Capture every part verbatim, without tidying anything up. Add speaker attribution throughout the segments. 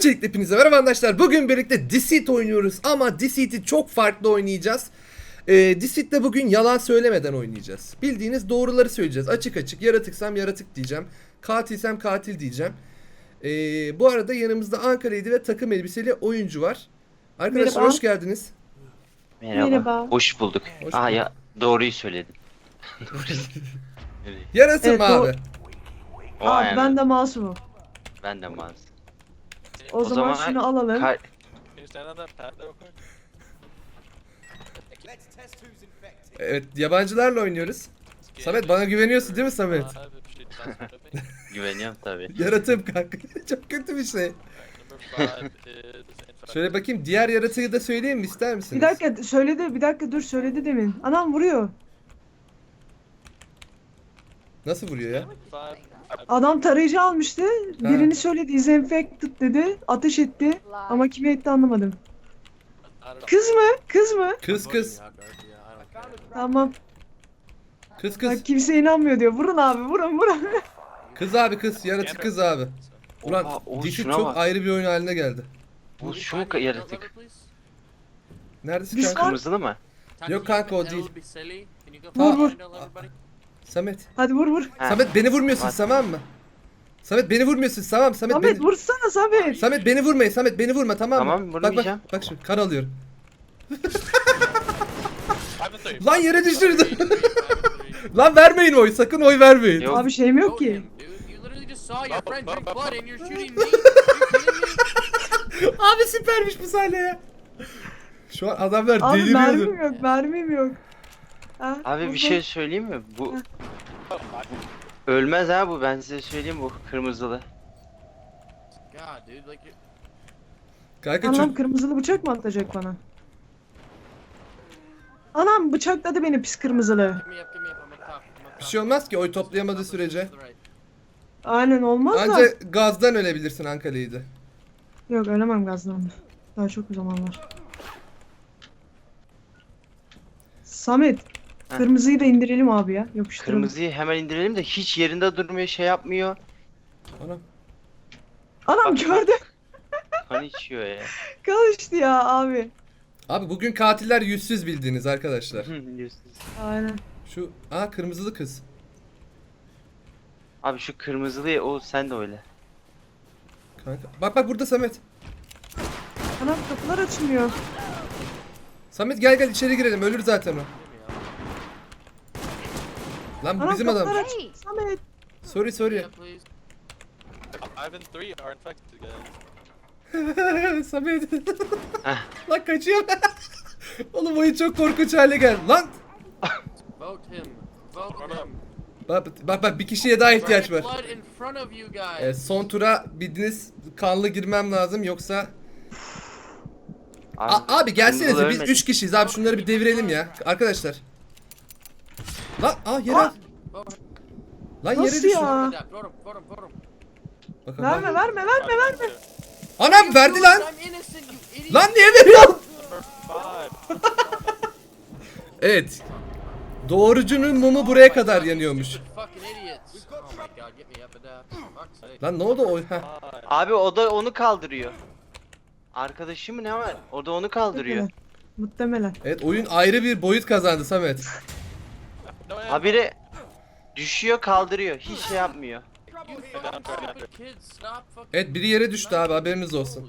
Speaker 1: Öncelikle hepinize merhaba arkadaşlar. Bugün birlikte Deceit oynuyoruz ama Deceit'i çok farklı oynayacağız. Ee, Deceit'te bugün yalan söylemeden oynayacağız. Bildiğiniz doğruları söyleyeceğiz. Açık açık. Yaratıksam yaratık diyeceğim. Katilsem katil diyeceğim. Ee, bu arada yanımızda Ankara'ydı ve takım elbiseli oyuncu var. Arkadaşlar
Speaker 2: Merhaba.
Speaker 1: hoş geldiniz.
Speaker 3: Merhaba.
Speaker 2: Merhaba.
Speaker 3: Hoş bulduk.
Speaker 1: Hoş
Speaker 3: Aa
Speaker 1: bulduk.
Speaker 3: ya doğruyu söyledin.
Speaker 1: Yaratım
Speaker 2: Evet,
Speaker 1: abi.
Speaker 3: O
Speaker 2: Abi
Speaker 3: yani.
Speaker 2: ben de masumum.
Speaker 3: Ben de maz.
Speaker 2: O,
Speaker 3: O
Speaker 2: zaman,
Speaker 3: zaman
Speaker 2: şunu alalım.
Speaker 3: Kar-
Speaker 1: Evet, yabancılarla oynuyoruz. Samet bana güveniyorsun değil mi Samet?
Speaker 3: güveniyorum tabii.
Speaker 1: Yaratım kanka. Çok kötü bir şey. Şöyle bakayım, diğer yaratığı da söyleyeyim mi, ister misiniz?
Speaker 2: Bir dakika söyledi, bir dakika dur söyledi demin. Anam vuruyor.
Speaker 1: Nasıl vuruyor ya?
Speaker 2: Adam tarayıcı almıştı. Birini söyledi, disinfected dedi. Ateş etti. Ama kime etti anlamadım. Kız mı? Kız mı?
Speaker 1: Kız kız.
Speaker 2: Tamam.
Speaker 1: Kız kız.
Speaker 2: Bak kimse inanmıyor diyor. Vurun abi, vurun vurun.
Speaker 1: Kız abi kız. Yaratık kız abi. Ulan
Speaker 3: Oha, o
Speaker 1: Deceit
Speaker 3: şuna
Speaker 1: çok
Speaker 3: bak.
Speaker 1: ayrı bir oyun haline geldi.
Speaker 3: Bu şu mu ka- yaratık?
Speaker 1: Neredesin
Speaker 2: Biz
Speaker 1: kanka?
Speaker 2: var-
Speaker 3: Kırmızılı mı?
Speaker 1: Yok kanka, o değil.
Speaker 2: Vur, vur.
Speaker 1: Samet.
Speaker 2: Hadi vur vur.
Speaker 3: Ha.
Speaker 1: Samet beni vurmuyorsun
Speaker 3: Var.
Speaker 1: tamam mı? Samet beni vurmuyorsun tamam. Samet,
Speaker 2: Samet
Speaker 1: beni...
Speaker 2: vursana Samet.
Speaker 1: Samet beni vurmayın. Samet beni vurma tamam mı?
Speaker 3: Tamam,
Speaker 1: Bak bak
Speaker 3: vurmayacağım.
Speaker 1: bak şimdi kan alıyorum. Lan yere düşürdü. Lan vermeyin oy, sakın oy vermeyin.
Speaker 3: Yok.
Speaker 2: Abi şeyim yok ki.
Speaker 1: Abi süpermiş bu sahne ya. Şu an adamlar
Speaker 2: Abi
Speaker 1: deliriyordu.
Speaker 2: mermim yok, mermim yok. Ha,
Speaker 3: Abi bir
Speaker 2: vurdum.
Speaker 3: şey söyleyeyim mi? Bu ölmez ha bu, ben size söyleyeyim, bu kırmızılı.
Speaker 1: Kanka
Speaker 2: Anam
Speaker 1: çok...
Speaker 2: kırmızılı bıçak mı atacak bana? Anam bıçakladı beni pis kırmızılı.
Speaker 1: Bir şey olmaz ki oy toplayamadığı sürece.
Speaker 2: Aynen olmaz da.
Speaker 1: Anca gazdan ölebilirsin Ankara'ydı.
Speaker 2: Yok ölemem gazdan. Daha çok bir zaman var. Samet.
Speaker 3: Heh.
Speaker 2: Kırmızıyı da indirelim abi ya. Yapıştıralım.
Speaker 3: Kırmızıyı hemen indirelim de hiç yerinde durmuyor, şey yapmıyor.
Speaker 1: Anam.
Speaker 2: Anam
Speaker 3: Bak,
Speaker 2: gördü.
Speaker 3: Kan içiyor ya.
Speaker 2: Kalıştı ya abi.
Speaker 1: Abi bugün katiller yüzsüz bildiğiniz arkadaşlar.
Speaker 3: Yüzsüz.
Speaker 2: Aynen.
Speaker 1: Şu aa kırmızılı kız.
Speaker 3: Abi şu kırmızılı o, sen de öyle.
Speaker 1: Kanka. Bak bak burada Samet.
Speaker 2: Anam kapılar açılmıyor.
Speaker 1: Samet gel gel içeri girelim, ölür zaten o. Lan bu
Speaker 2: Anam
Speaker 1: bizim
Speaker 2: kapılar
Speaker 1: adam.
Speaker 2: açılıyor. Samet.
Speaker 1: Sorry sorry. Samet.
Speaker 3: Heh.
Speaker 1: Lan kaçıyor. Oğlum oyun çok korkunç hale geldi. Lan. Bak bak bak bir kişiye daha ihtiyaç var. Ee, son tura bildiğiniz kanlı girmem lazım yoksa... A- abi gelsenize
Speaker 3: kırmızılı
Speaker 1: biz
Speaker 3: ölmedi.
Speaker 1: üç kişiyiz abi, şunları bir devirelim ya arkadaşlar. Lan aa yere
Speaker 2: Aa!
Speaker 1: at. Lan yere
Speaker 2: Nasıl
Speaker 1: düştü.
Speaker 2: ya?
Speaker 1: Bakın,
Speaker 2: Verme
Speaker 1: bak.
Speaker 2: verme verme verme.
Speaker 1: Anam verdi lan. Lan niye veriyorsun? Evet. Doğrucunun mumu buraya kadar yanıyormuş. Lan ne oldu o? Heh.
Speaker 3: Abi o da onu kaldırıyor. Arkadaşı mı ne var? O da onu kaldırıyor.
Speaker 2: Muhtemelen.
Speaker 1: Evet, oyun ayrı bir boyut kazandı Samet.
Speaker 3: Habire düşüyor, kaldırıyor. Hiç şey yapmıyor.
Speaker 1: Evet, biri yere düştü abi, haberiniz olsun.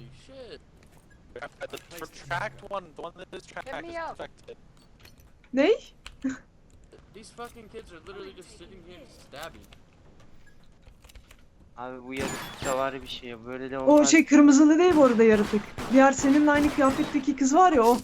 Speaker 2: Ney?
Speaker 3: Abi bu yaratıkça var bir şey. Böyle de
Speaker 2: O
Speaker 3: olmaz.
Speaker 2: şey kırmızılı değil bu arada yaratık. Diğer seninle aynı kıyafetteki kız var ya o.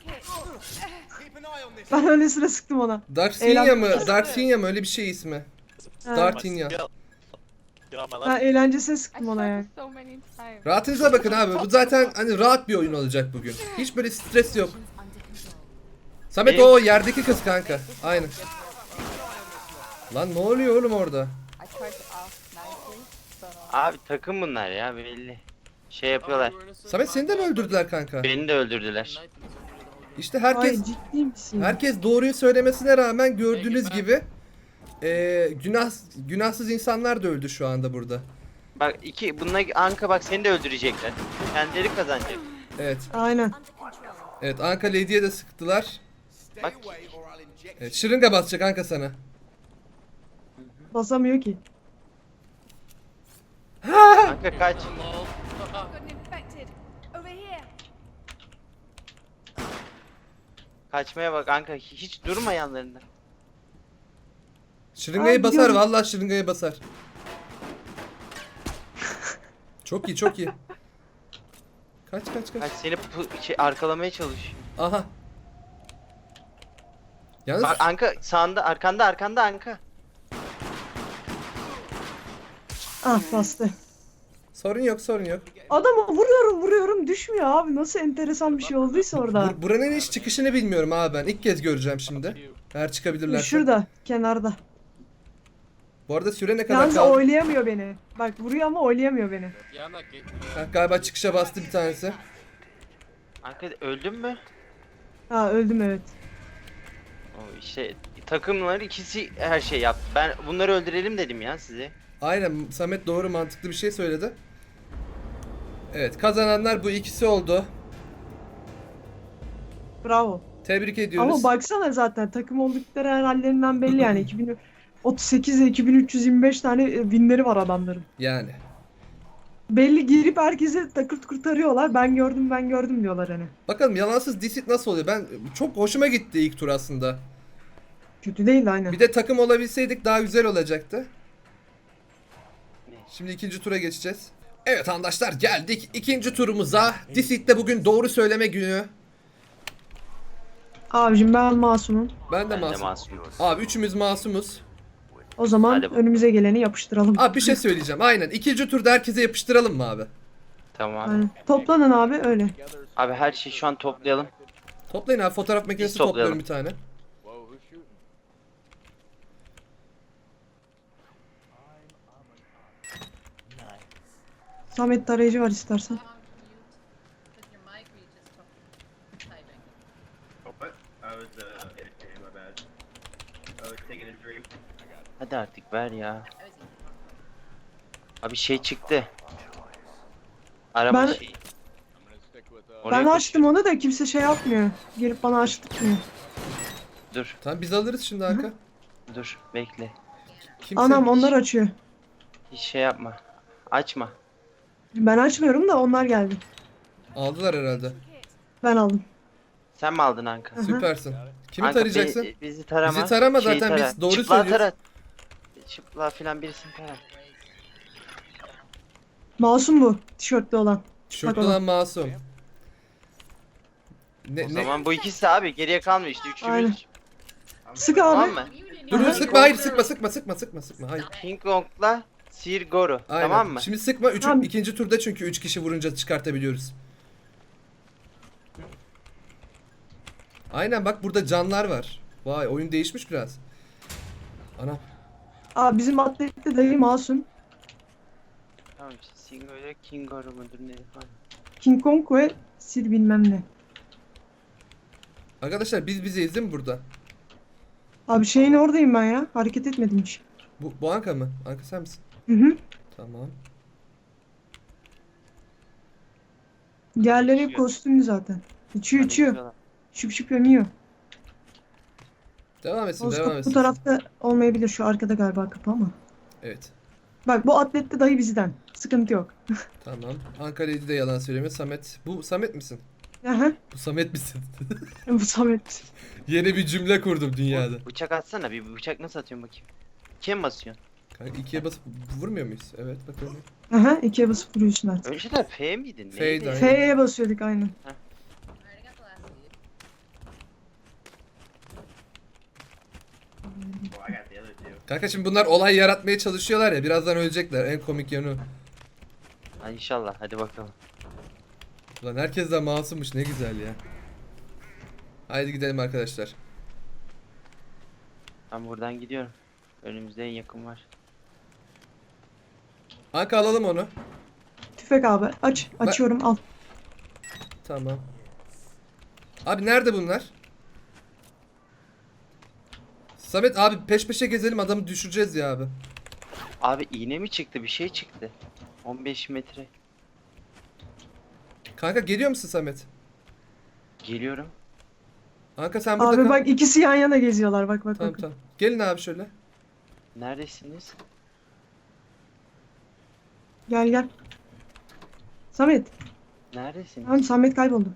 Speaker 2: Ben öylesine sıktım ona.
Speaker 1: Darksinya
Speaker 2: Eğlen-
Speaker 1: mı? Darksinya mı? Öyle bir şey ismi.
Speaker 2: Ha.
Speaker 1: Dartinya.
Speaker 2: Ha eğlencesine sıktım ona yani.
Speaker 1: Rahatınıza bakın abi. Bu zaten hani rahat bir oyun olacak bugün. Hiç böyle stres yok. Samet
Speaker 3: Benim-
Speaker 1: o yerdeki kız kanka. Aynen. Lan ne oluyor oğlum orada?
Speaker 3: Abi takım bunlar ya, belli. Şey yapıyorlar.
Speaker 1: Samet seni de mi öldürdüler kanka?
Speaker 3: Beni de öldürdüler.
Speaker 1: İşte herkes
Speaker 2: Ay ciddi misin?
Speaker 1: herkes doğruyu söylemesine rağmen gördüğünüz gibi eee günah günahsız insanlar da öldü şu anda burada.
Speaker 3: Bak iki bununla Anka bak seni de öldürecekler. Kendileri kazanacak.
Speaker 1: Evet.
Speaker 2: Aynen.
Speaker 1: Evet Anka Lady'ye de sıktılar.
Speaker 3: Bak
Speaker 1: Evet şırınga basacak Anka sana.
Speaker 2: Basamıyor ki.
Speaker 3: Anka kaç.
Speaker 4: Got an infected. Over here.
Speaker 3: Kaçmaya bak Anka hiç durma yanlarında.
Speaker 1: Şırıngayı
Speaker 2: Aa,
Speaker 1: basar
Speaker 2: gidiyorum.
Speaker 1: vallahi şırıngayı basar. Çok iyi çok iyi. Kaç kaç kaç.
Speaker 3: Kaç seni pu- şey, arkalamaya çalışıyor.
Speaker 1: Aha. Yalnız
Speaker 3: Bak Anka sağında arkanda arkanda Anka.
Speaker 2: Ah bastı.
Speaker 1: sorun yok sorun yok.
Speaker 2: Adama vuruyorum vuruyorum düşmüyor abi. Nasıl enteresan bir şey olduysa orada.
Speaker 1: Bur- buranın hiç çıkışını bilmiyorum abi ben. İlk kez göreceğim şimdi. Eğer çıkabilirlerse.
Speaker 2: Şurada kenarda.
Speaker 1: Bu arada süre ne kadar
Speaker 2: Yalnız
Speaker 1: kaldı?
Speaker 2: oylayamıyor beni. Bak vuruyor ama oylayamıyor beni.
Speaker 1: Ha, galiba çıkışa bastı bir tanesi.
Speaker 3: Anka öldün mü?
Speaker 2: Ha öldüm evet.
Speaker 3: O işte takımlar ikisi her şey yaptı. Ben bunları öldürelim dedim ya size.
Speaker 1: Aynen Samet doğru mantıklı bir şey söyledi. Evet kazananlar bu ikisi oldu.
Speaker 2: Bravo.
Speaker 1: Tebrik ediyoruz.
Speaker 2: Ama baksana zaten takım oldukları her hallerinden belli yani. iki bin otuz sekiz ile iki bin üç yüz yirmi beş tane e, winleri var adamların.
Speaker 1: Yani.
Speaker 2: Belli girip herkese takır tukur tarıyorlar. Ben gördüm ben gördüm diyorlar hani.
Speaker 1: Bakalım yalansız Deceit nasıl oluyor? Ben çok hoşuma gitti ilk tur aslında.
Speaker 2: Kötü değil aynen.
Speaker 1: Bir de takım olabilseydik daha güzel olacaktı. Şimdi ikinci tura geçeceğiz. Evet arkadaşlar geldik ikinci turumuza. Deceit'te bugün doğru söyleme günü.
Speaker 2: Abicim ben masumum.
Speaker 1: Ben de
Speaker 3: Ben de
Speaker 1: masum.
Speaker 3: masumum.
Speaker 1: Abi üçümüz masumuz.
Speaker 2: O zaman
Speaker 3: Hadi bakalım.
Speaker 2: önümüze geleni yapıştıralım.
Speaker 1: Abi bir şey söyleyeceğim. Aynen. İkinci turda herkese yapıştıralım mı abi?
Speaker 3: Tamam.
Speaker 2: Aynen. Toplanın abi öyle.
Speaker 3: Abi her şeyi şu an toplayalım.
Speaker 1: Toplayın abi. Fotoğraf makinesi
Speaker 3: toplayalım.
Speaker 1: topluyorum bir tane.
Speaker 2: Samet tarayıcı var istersen.
Speaker 4: With your mic, or you just talking? Typing.
Speaker 5: Oh, what? I was uh editing, my bad. I was taking a drink.
Speaker 3: Hadi artık ver ya.
Speaker 4: I was eating.
Speaker 3: Abi şey çıktı. Araba
Speaker 2: Ben-
Speaker 3: şeyi.
Speaker 2: Ben
Speaker 3: Oraya
Speaker 2: açtım onu da kimse şey yapmıyor. Gelip bana açtırmıyor.
Speaker 3: koş- Dur
Speaker 1: Tamam biz alırız şimdi Hakan.
Speaker 3: dur bekle.
Speaker 1: Kimse...
Speaker 2: Anam onlar açıyor.
Speaker 3: Hiç şey yapma. Açma.
Speaker 2: Ben açmıyorum da onlar geldi.
Speaker 1: Aldılar herhalde.
Speaker 2: Ben aldım.
Speaker 3: Sen mi aldın Anka?
Speaker 2: Hı hı.
Speaker 1: Süpersin. Kimi
Speaker 3: Anka,
Speaker 1: tarayacaksın?
Speaker 3: bi- bizi tarama.
Speaker 1: Bizi tarama
Speaker 3: Şeyi
Speaker 1: zaten,
Speaker 3: tara.
Speaker 1: biz doğru
Speaker 3: Çıplığa
Speaker 1: söylüyoruz.
Speaker 3: tara. Çıplığa filan birisini tara.
Speaker 2: Masum bu tişörtlü olan.
Speaker 1: Tişörtlü
Speaker 2: Bakalım.
Speaker 1: olan masum. Ne,
Speaker 3: O
Speaker 1: ne?
Speaker 3: zaman bu ikisi abi geriye kalmıyor işte
Speaker 2: Aynen.
Speaker 3: üçümüz.
Speaker 2: Sık
Speaker 3: Tamam
Speaker 2: abi.
Speaker 3: mı?
Speaker 1: Dur dur
Speaker 2: Aha.
Speaker 1: sıkma hayır sıkma sıkma sıkma sıkma sıkma hayır.
Speaker 3: King Kong'la Sir Goro.
Speaker 1: Aynen.
Speaker 3: Tamam mı?
Speaker 1: Şimdi sıkma. Üçü,
Speaker 2: Tamam.
Speaker 1: ikinci turda çünkü üç kişi vurunca çıkartabiliyoruz. Aynen bak burada canlar var. Vay oyun değişmiş biraz. Ana.
Speaker 2: Aa bizim atlette dayı masum.
Speaker 3: Tamam işte Sir Goro, King Goro mudur ne falan.
Speaker 2: King Kong ve Sil bilmem ne.
Speaker 1: Arkadaşlar biz bizeyiz değil mi burada?
Speaker 2: Abi şeyin oradayım ben ya. Hareket etmedim hiç.
Speaker 1: Bu, bu Anka mı? Anka sen misin?
Speaker 2: Hı hı.
Speaker 1: Tamam.
Speaker 2: Diğerleri hep kostümlü zaten. İçiyor
Speaker 3: Hadi
Speaker 2: içiyor.
Speaker 3: gidiyorlar.
Speaker 2: Şıp şıp yemiyor.
Speaker 1: Devam etsin
Speaker 2: Bozkurt
Speaker 1: devam
Speaker 2: bu
Speaker 1: etsin.
Speaker 2: tarafta olmayabilir. Şu arkada galiba kapı ama.
Speaker 1: Evet.
Speaker 2: Bak bu atlette dayı bizden. Sıkıntı yok.
Speaker 1: Tamam. Anka Lady de yalan söylemiyor. Samet. Bu Samet misin?
Speaker 2: Aha.
Speaker 1: Bu Samet misin?
Speaker 2: Bu Samet.
Speaker 1: Yeni bir cümle kurdum dünyada.
Speaker 3: Bıçak atsana bir bıçak nasıl atıyorsun bakayım. Kim basıyorsun?
Speaker 1: Kanka ikiye basıp vurmuyor muyuz? Evet bakalım.
Speaker 2: Aha ikiye basıp vuruyorsun artık.
Speaker 3: Önceden F miydin?
Speaker 1: F'ydi,
Speaker 3: Neydi?
Speaker 1: aynen.
Speaker 2: F'ye basıyorduk aynen.
Speaker 4: I already got the last lead.
Speaker 5: Well, I got the other two.
Speaker 1: Kanka şimdi bunlar olay yaratmaya çalışıyorlar ya. Birazdan ölecekler. En komik yanı. o.
Speaker 3: Ha, inşallah hadi bakalım.
Speaker 1: Ulan herkes de masummuş. Ne güzel ya. Haydi gidelim arkadaşlar.
Speaker 3: Ben buradan gidiyorum. Önümüzde en yakın var.
Speaker 1: Anka alalım onu.
Speaker 2: Tüfek abi. Aç. Açıyorum al.
Speaker 1: Tamam. Abi nerede bunlar? Samet abi peş peşe gezelim adamı düşüreceğiz ya abi.
Speaker 3: Abi iğne mi çıktı bir şey çıktı. on beş metre.
Speaker 1: Kanka geliyor musun Samet?
Speaker 3: Geliyorum.
Speaker 1: Kanka sen burada
Speaker 2: Abi
Speaker 1: kal.
Speaker 2: bak ikisi yan yana geziyorlar bak bak
Speaker 1: Tamam
Speaker 2: bak.
Speaker 1: tamam. Gelin abi şöyle.
Speaker 3: Neredesiniz?
Speaker 2: Gel gel. Samet.
Speaker 3: Neredesiniz?
Speaker 2: Tamam Samet kayboldu.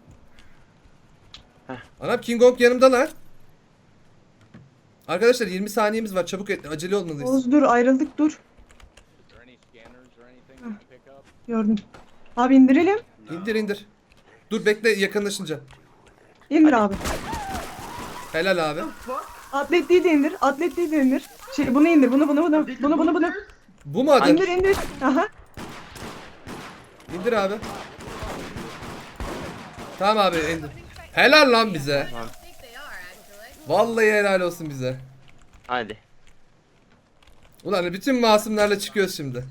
Speaker 1: Anam King Kong yanımdalar. Arkadaşlar yirmi saniyemiz var. Çabuk et, acele olmalıyız.
Speaker 2: Oğuz dur ayrıldık dur. Heh, gördüm. Abi indirelim.
Speaker 1: İndir indir. Dur bekle yakınlaşınca.
Speaker 2: İndir abi.
Speaker 1: Helal abi.
Speaker 2: Atletliği de indir. Atletliği de indir. Şey bunu indir. Bunu bunu bunu. Bunu bunu bunu.
Speaker 1: Bu mu adı?
Speaker 2: İndir indir. Aha.
Speaker 1: İndir abi. Tamam abi indir. Helal lan bize.
Speaker 4: I think they are actually.
Speaker 1: Vallahi helal olsun bize.
Speaker 3: Hadi.
Speaker 1: Ulan bütün masumlarla çıkıyoruz şimdi.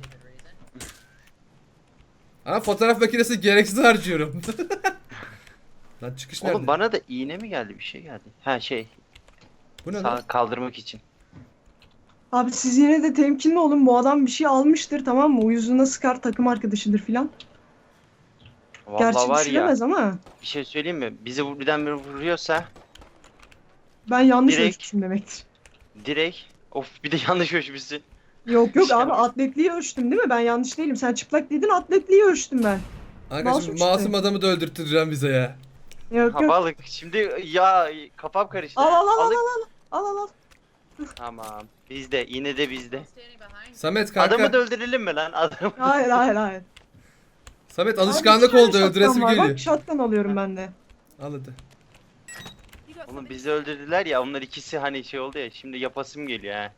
Speaker 1: Ama fotoğraf makinesi gereksiz harcıyorum. Lan çıkış nerede?
Speaker 3: Oğlum bana da iğne mi geldi? Bir şey geldi. Ha şey.
Speaker 1: Bu ne
Speaker 3: Sağ
Speaker 1: lan?
Speaker 3: kaldırmak için.
Speaker 2: Abi siz yine de temkinli olun. Bu adam bir şey almıştır tamam mı? Uyuzuna sıkar takım arkadaşıdır filan.
Speaker 3: Vallahi
Speaker 2: Gerçi
Speaker 3: var ya.
Speaker 2: düşüremez ama.
Speaker 3: Bir şey söyleyeyim mi? Bizi bu- birdenbire vuruyorsa
Speaker 2: Ben yanlış
Speaker 3: Direkt-
Speaker 2: ölçmüşüm demektir.
Speaker 3: direkt of bir de yanlış ölçmüşsün.
Speaker 2: Yok yok
Speaker 3: Şey
Speaker 2: abi
Speaker 3: yapmış.
Speaker 2: atletliği ölçtüm değil mi? Ben yanlış değilim. Sen çıplak dedin atletliği ölçtüm ben.
Speaker 1: Kanka
Speaker 2: Masum
Speaker 1: şimdi
Speaker 2: çıktı.
Speaker 1: masum adamı da öldürttüreceğim bize ya.
Speaker 2: Yok
Speaker 3: Ha
Speaker 2: yok.
Speaker 3: balık. Şimdi ya kafam karıştı.
Speaker 2: Al al al al
Speaker 3: Balık-
Speaker 2: al al al al.
Speaker 3: Tamam. Bizde yine de bizde.
Speaker 4: Standing behind.
Speaker 1: Samet kanka.
Speaker 3: Adamı da öldürelim mi lan? Adamı.
Speaker 2: Hayır hayır hayır.
Speaker 1: Samet
Speaker 2: Abi
Speaker 1: alışkanlık
Speaker 2: iki tane
Speaker 1: oldu öldüresim
Speaker 2: shotgun var.
Speaker 1: geliyor.
Speaker 2: Bak shotgun alıyorum ben de.
Speaker 1: Al hadi.
Speaker 3: Oğlum bizi öldürdüler ya. Onlar ikisi hani şey oldu ya. Şimdi yapasım geliyor ha.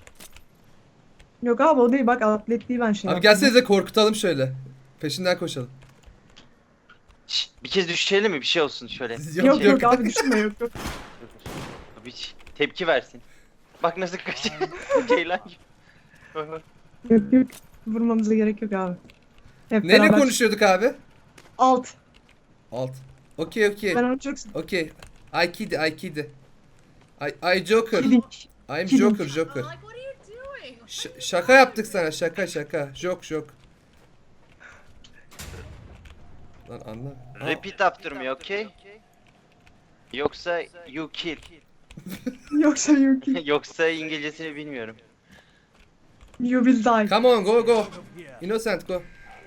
Speaker 2: Yok abi o değil bak atletliği ben şey
Speaker 1: Abi
Speaker 2: yaptım.
Speaker 1: gelsenize korkutalım şöyle. Peşinden koşalım.
Speaker 3: Şşt, bir kez düşelim mi? Bir şey olsun şöyle.
Speaker 1: Yok
Speaker 2: Yok
Speaker 1: yok.
Speaker 2: yok abi düşünme yok yok.
Speaker 3: Bir ç- tepki versin. Bak nasıl kaçıyor. Ceylan gibi.
Speaker 2: Yok yok. Vurmamıza gerek yok abi. Hep
Speaker 1: Neyle
Speaker 2: beraber-
Speaker 1: konuşuyorduk abi?
Speaker 2: Alt.
Speaker 1: Alt. Okey okey.
Speaker 2: Ben onu çok
Speaker 1: Okey. I kid I kid. I, I Joker.
Speaker 2: kidding.
Speaker 1: I'm
Speaker 2: Kidding.
Speaker 1: Joker Joker.
Speaker 4: I'm like, what are you doing?
Speaker 1: Ş- şaka yaptık sana şaka şaka. Jok jok. Lan anla. Aa,
Speaker 3: Repeat after me, okay? Yoksa you kill.
Speaker 2: Yoksa yok.
Speaker 3: Yoksa İngilizcesini bilmiyorum.
Speaker 2: You will die.
Speaker 1: Come on go go. Innocent go.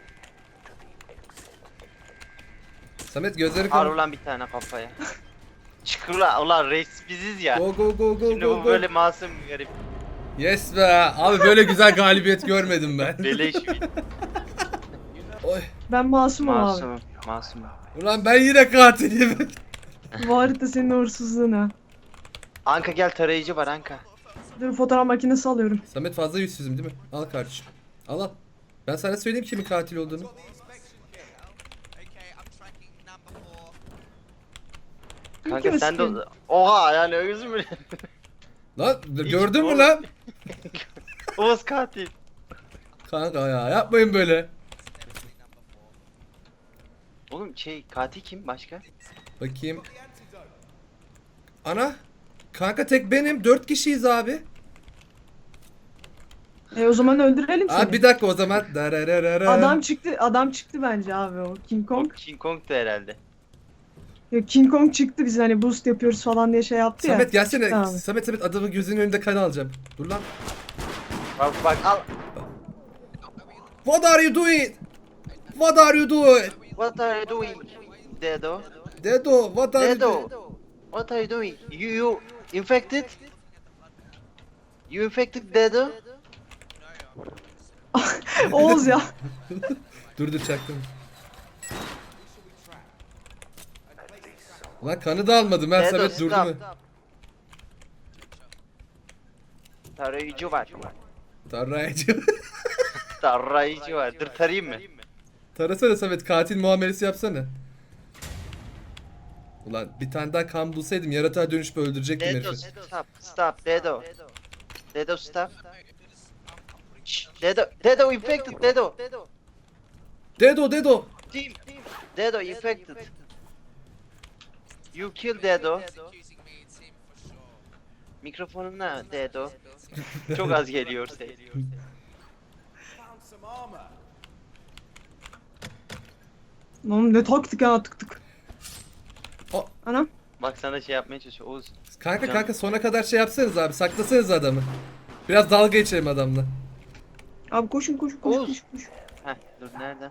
Speaker 1: Samet gözleri
Speaker 3: Ar
Speaker 1: kapat.
Speaker 3: ulan bir tane kafaya. Çıkır ulan, ulan reis biziz ya.
Speaker 1: Go go go go
Speaker 3: Şimdi
Speaker 1: go
Speaker 3: bu
Speaker 1: go.
Speaker 3: böyle masum garip.
Speaker 1: Yes be. Abi böyle güzel galibiyet görmedim ben.
Speaker 3: Beleş bir
Speaker 1: Oy.
Speaker 2: Ben masumum abi.
Speaker 3: masum. Masum.
Speaker 1: Ulan ben yine katilim.
Speaker 2: Bu harita senin uğursuzluğun ha.
Speaker 3: Anka gel, tarayıcı var Anka.
Speaker 2: Dur fotoğraf makinesi alıyorum.
Speaker 1: Samet fazla yüzsüzüm değil mi? Al kardeşim. Al al. Ben sana söyleyeyim kimin katil olduğunu.
Speaker 3: Kanka
Speaker 2: mi
Speaker 3: sen de...
Speaker 2: sıkıyorsun?
Speaker 3: Oha yani özür mü?
Speaker 1: Lan gördün mü
Speaker 3: oğlum.
Speaker 1: lan?
Speaker 3: Oğuz katil.
Speaker 1: Kanka ya yapmayın böyle.
Speaker 3: Oğlum şey katil kim başka?
Speaker 1: Bakayım. Ana. Kanka tek benim. Dört kişiyiz abi.
Speaker 2: E o zaman öldürelim seni.
Speaker 1: Abi bir dakika o zaman. Darararara.
Speaker 2: Adam çıktı, adam çıktı bence abi o King
Speaker 3: O
Speaker 2: Kong.
Speaker 3: King Kong'tu herhalde.
Speaker 2: Ya King Kong çıktı biz hani boost yapıyoruz falan diye şey yaptı ya.
Speaker 1: Samet gelsene.
Speaker 2: Çıktı abi.
Speaker 1: Samet Samet adamın gözünün önünde kan alacağım. Dur lan.
Speaker 3: Bak bak al.
Speaker 1: What are you doing? What are you doing?
Speaker 3: What are you doing? Dedo.
Speaker 1: Dedo, what are you
Speaker 3: Dedo.
Speaker 1: doing?
Speaker 3: What are you doing? You you infected? You infected Dedo?
Speaker 2: Oğuz ya.
Speaker 1: Dur dur çaktım. Lan kanı da almadım ben
Speaker 3: Dedo
Speaker 1: Samet durdu
Speaker 3: stop.
Speaker 1: mu?
Speaker 3: Tarayıcı var.
Speaker 1: Tarayıcı.
Speaker 3: Tarayıcı var. Dur tarayayım mı?
Speaker 1: Tarasana Samet katil muamelesi yapsana. Ulan bir tane daha kan bulsaydım yaratığa dönüşüp öldürecektim
Speaker 3: Dedo
Speaker 1: herifi.
Speaker 3: stop. Stop Dedo. Dedo stop. Şşş, Dedo. Dedo infected Dedo.
Speaker 1: Dedo Dedo.
Speaker 3: Team. Dedo infected. You kill Dedo. Mikrofonuna Dedo. Çok az geliyor ses.
Speaker 2: Oğlum ne taktık ha tık tık.
Speaker 1: O-
Speaker 2: Anam.
Speaker 3: Bak sana şey yapmaya çalışıyor. Oğuz.
Speaker 1: Kanka
Speaker 3: Can-
Speaker 1: kanka sona kadar şey yapsanız abi. Saklasanız adamı. Biraz dalga geçelim adamla.
Speaker 2: Abi koşun koşun koşun
Speaker 3: Oğuz.
Speaker 2: koşun koşun.
Speaker 3: Heh dur nereden?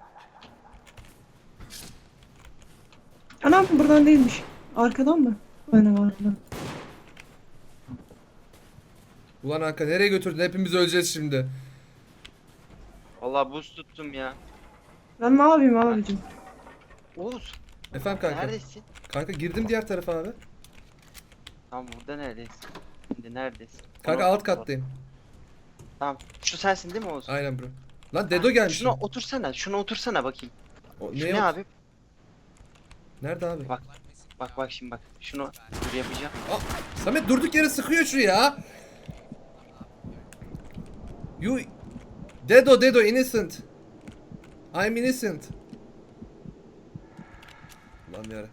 Speaker 2: Anam buradan değilmiş. Arkadan mı? Aynen arkadan.
Speaker 1: Ulan Hakan nereye götürdün? Hepimiz öleceğiz şimdi.
Speaker 3: Vallahi buz tuttum ya.
Speaker 2: Ben ne yapayım abicim?
Speaker 3: Oğuz.
Speaker 1: Efendim kanka.
Speaker 3: Neredesin?
Speaker 1: Kanka girdim diğer tarafa abi.
Speaker 3: Tamam burada neredesin? Şimdi neredesin?
Speaker 1: Kanka
Speaker 3: Onu-
Speaker 1: alt kattayım.
Speaker 3: Tamam. Şu sensin değil mi Oğuz?
Speaker 1: Aynen bro. Lan Dedo gelmiş.
Speaker 3: Şuna otursana. Şuna otursana bakayım.
Speaker 1: O,
Speaker 3: Şu
Speaker 1: ne,
Speaker 3: ne
Speaker 1: o-
Speaker 3: abi?
Speaker 1: Nerede abi?
Speaker 3: Bak. Bak bak şimdi bak. Şunu dur yapacağım.
Speaker 1: Aa, Samet durduk yere sıkıyor şu ya. You Dedo Dedo innocent. I'm innocent. Lan yara.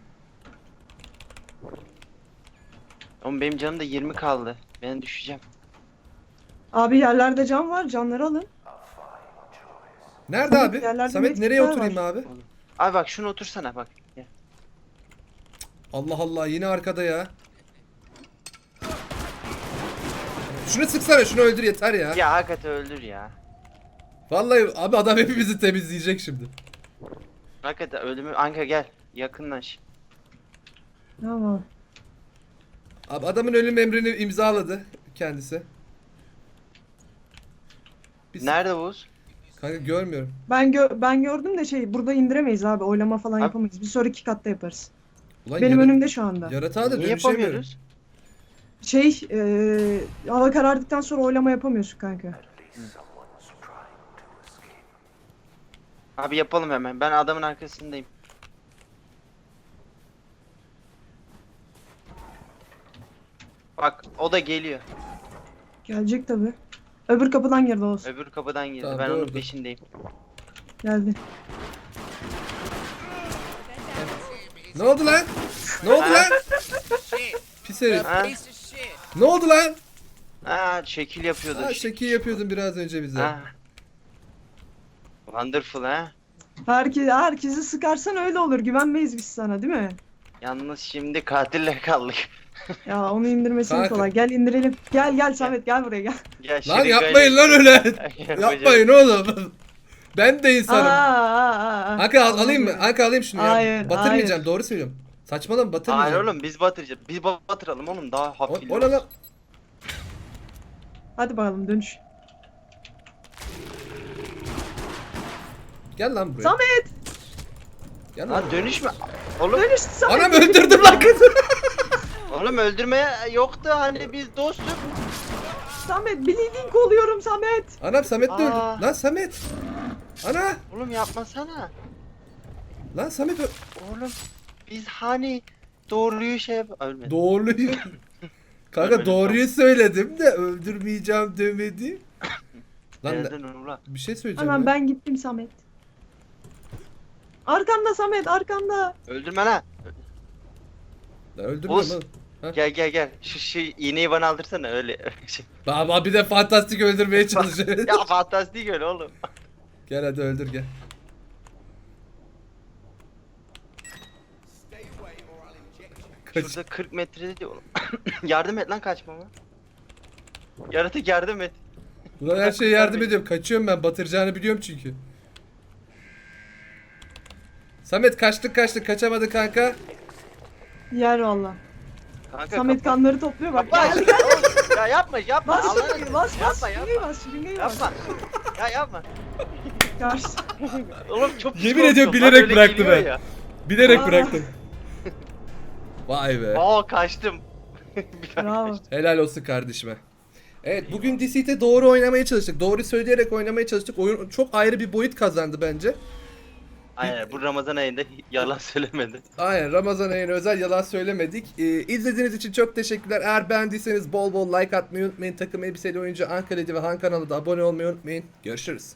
Speaker 3: Oğlum benim canım da yirmi kaldı. Ben düşeceğim.
Speaker 2: Abi yerlerde cam var, camları alın.
Speaker 1: Nerede
Speaker 2: Samet,
Speaker 1: abi?
Speaker 2: yerlerde
Speaker 1: Samet nereye
Speaker 2: medkitler
Speaker 1: oturayım abi?
Speaker 3: Abi bak şunu otursana bak. Gel.
Speaker 1: Allah Allah yine arkada ya. Şunu sıksana şunu öldür yeter ya.
Speaker 3: Ya hakikaten öldür ya.
Speaker 1: Vallahi abi adam hepimizi temizleyecek şimdi.
Speaker 3: Hakikaten ölümü. Anka gel. Yakınlaş.
Speaker 2: Tamam.
Speaker 1: Abi adamın ölüm emrini imzaladı kendisi. Biz...
Speaker 3: Nerede Oğuz?
Speaker 1: Kanka görmüyorum.
Speaker 2: Ben gö ben gördüm de şey burada indiremeyiz abi. Oylama falan
Speaker 3: Abi-
Speaker 2: yapamayız. Bir sonraki katta yaparız.
Speaker 1: Ulan
Speaker 2: Benim
Speaker 1: yara-
Speaker 2: önümde şu anda.
Speaker 1: Yaratığa da
Speaker 3: Niye
Speaker 1: dönüşemiyorum.
Speaker 3: yapamıyoruz?
Speaker 2: Şey, eee hava karardıktan sonra oylama yapamıyorsun kanka.
Speaker 3: Abi yapalım hemen. Ben adamın arkasındayım. Bak o da geliyor.
Speaker 2: Gelecek tabi. Öbür kapıdan girdi olsun.
Speaker 3: Öbür kapıdan girdi.
Speaker 1: Tamam,
Speaker 3: ben onun
Speaker 1: doğru.
Speaker 3: peşindeyim.
Speaker 2: Geldi.
Speaker 1: Ne oldu lan? Ne oldu lan? Pis herif.
Speaker 3: Ha?
Speaker 1: Ne oldu lan?
Speaker 3: Ha şekil yapıyordu.
Speaker 1: Ha, şekil yapıyordun biraz önce bize.
Speaker 3: Ha. Wonderful ha.
Speaker 2: Herkes, herkesi sıkarsan öyle olur. Güvenmeyiz biz sana değil mi?
Speaker 3: Yalnız şimdi katille kaldık.
Speaker 2: Ya onu indirmesi
Speaker 1: Kanka.
Speaker 2: kolay. Gel indirelim. Gel gel Samet gel buraya gel.
Speaker 3: Gel
Speaker 1: Lan
Speaker 3: şırıngayla-
Speaker 1: yapmayın lan öyle.
Speaker 3: Yapacağım.
Speaker 1: Yapmayın oğlum. Ben de
Speaker 2: Aa,
Speaker 1: insanım.
Speaker 2: aa, aa, aa.
Speaker 1: Anka al, alayım mı? Anka alayım şunu ya.
Speaker 2: Hayır,
Speaker 1: Batırmayacağım
Speaker 2: hayır.
Speaker 1: doğru söylüyorum. Saçmalama batırmayacağım.
Speaker 3: Hayır oğlum biz batıracağız. Biz batıralım oğlum daha
Speaker 1: O,
Speaker 3: hafif.
Speaker 1: o ne lan?
Speaker 2: Hadi bakalım dönüş.
Speaker 1: Gel lan buraya.
Speaker 2: Samet!
Speaker 1: Gel lan.
Speaker 3: Lan
Speaker 1: buraya.
Speaker 3: dönüşme. Oğlum,
Speaker 2: Dönüş Samet!
Speaker 1: Anam öldürdüm lan kızı.
Speaker 3: oğlum öldürmeye yoktu hani biz dostuk.
Speaker 2: Samet bleeding oluyorum Samet.
Speaker 1: Anam Samet de öldü.
Speaker 3: Aa.
Speaker 1: Lan Samet. Ana.
Speaker 3: Oğlum yapmasana.
Speaker 1: Lan Samet ö-
Speaker 3: Oğlum biz hani doğruyu şey yap... Ölmedi.
Speaker 1: Doğruyu. Kanka
Speaker 3: Ölmedi,
Speaker 1: doğruyu söyledim de öldürmeyeceğim demedim. Lan ne-
Speaker 3: Nereden ulan?
Speaker 1: bir şey söyleyeceğim.
Speaker 2: Anam
Speaker 1: ya.
Speaker 2: ben gittim Samet. Arkanda Samet arkanda.
Speaker 3: Öldürme lan.
Speaker 1: Lan öldürme
Speaker 3: Oğuz.
Speaker 1: lan.
Speaker 3: Gel gel gel. Şu, şu iğneyi bana aldırsana öyle. Şey-
Speaker 1: Baba bir de fantastik öldürmeye çalışıyor.
Speaker 3: ya fantastik öyle oğlum.
Speaker 1: Gel hadi öldür gel. Kaç.
Speaker 3: Şurada kırk metrede diyor oğlum. Yardım et lan kaçmama. Yaratık yardım et.
Speaker 1: Ulan her şeye yardım ediyorum. Kaçıyorum ben. Batıracağını biliyorum çünkü. Samet kaçtık kaçtık. Kaçamadı kanka.
Speaker 2: Yer valla.
Speaker 3: Kanka
Speaker 2: Samet
Speaker 3: kapat.
Speaker 2: kanları topluyor bak.
Speaker 3: Kapat.
Speaker 2: Gel gel.
Speaker 3: Oğlum, ya yapma yapma.
Speaker 2: Bas
Speaker 3: Allah'ını
Speaker 2: şırıngayı bas bas.
Speaker 3: Yapma
Speaker 2: Şırıngayı
Speaker 3: yapma.
Speaker 2: bas şırıngayı bas.
Speaker 3: Yapma. Ya yapma.
Speaker 2: Karşı.
Speaker 3: Oğlum çok pis
Speaker 1: Yemin
Speaker 3: korktum.
Speaker 1: ediyorum,
Speaker 3: Lan
Speaker 1: bilerek
Speaker 3: öyle
Speaker 1: bıraktı
Speaker 3: geliyor
Speaker 1: ben.
Speaker 3: ya.
Speaker 1: Bilerek
Speaker 2: Aa.
Speaker 1: bıraktım. Vay be.
Speaker 3: Aa kaçtım. Bir tane
Speaker 2: Bravo.
Speaker 3: kaçtım.
Speaker 1: Helal olsun kardeşime. Evet bugün Deceit'e doğru oynamaya çalıştık. Doğru söyleyerek oynamaya çalıştık. Oyun çok ayrı bir boyut kazandı bence.
Speaker 3: Aynen bu Ramazan ayında yalan söylemedi.
Speaker 1: Aynen Ramazan ayına özel yalan söylemedik. Ee, izlediğiniz için çok teşekkürler. Eğer beğendiyseniz bol bol like atmayı unutmayın. Takım elbiseli oyuncu Ankara'da ve Han kanalına da abone olmayı unutmayın. Görüşürüz.